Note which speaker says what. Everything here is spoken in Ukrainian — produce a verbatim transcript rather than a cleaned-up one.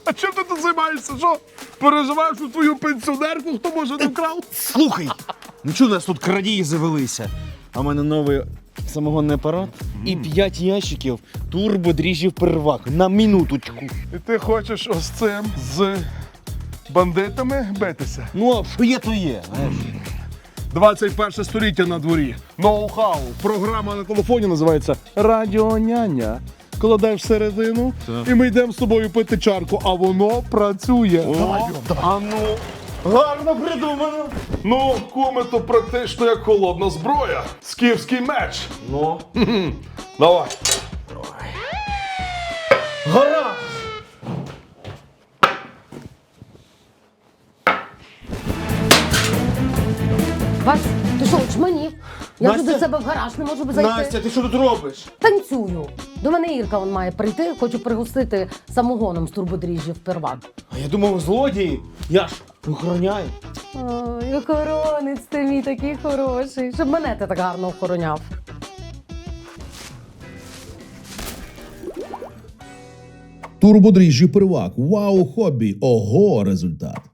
Speaker 1: А чим ти тут займаєшся? Що? Переживаєш у твою пенсіонерку, хто може не вкрав?
Speaker 2: Слухай, ну чого у нас тут крадії завелися? А в мене новий самогонний апарат і п'ять ящиків турбодріжджів первак на минуточку.
Speaker 1: І ти хочеш ось цим з бандитами битися?
Speaker 2: Ну, а що є, то є. знаєш.
Speaker 1: двадцять перше століття на дворі. Ноу-хау. Програма на телефоні називається Радіоняня. Кладеш всередину,
Speaker 2: Так.
Speaker 1: і ми йдемо з тобою пити чарку, а воно працює.
Speaker 2: О, а ну, гарно придумано.
Speaker 1: Ну, куми, то практично як холодна зброя. Скіфський меч.
Speaker 2: Ну,
Speaker 1: Давай.
Speaker 2: гаразд.
Speaker 3: Вась, ти що, очманів? Я вже
Speaker 2: Настя?
Speaker 3: до себе в гараж не можу зайти.
Speaker 2: Настя, ти що тут робиш?
Speaker 3: Танцюю. До мене Ірка он має прийти, хочу пригостити самогоном з турбодріжджів первак.
Speaker 2: А я думав, злодії. Я ж охороняю.
Speaker 3: Ой, охоронець ти мій такий хороший, щоб мене ти так гарно охороняв.
Speaker 4: Турбодріжджі первак. Вау, хобі. Ого, результат.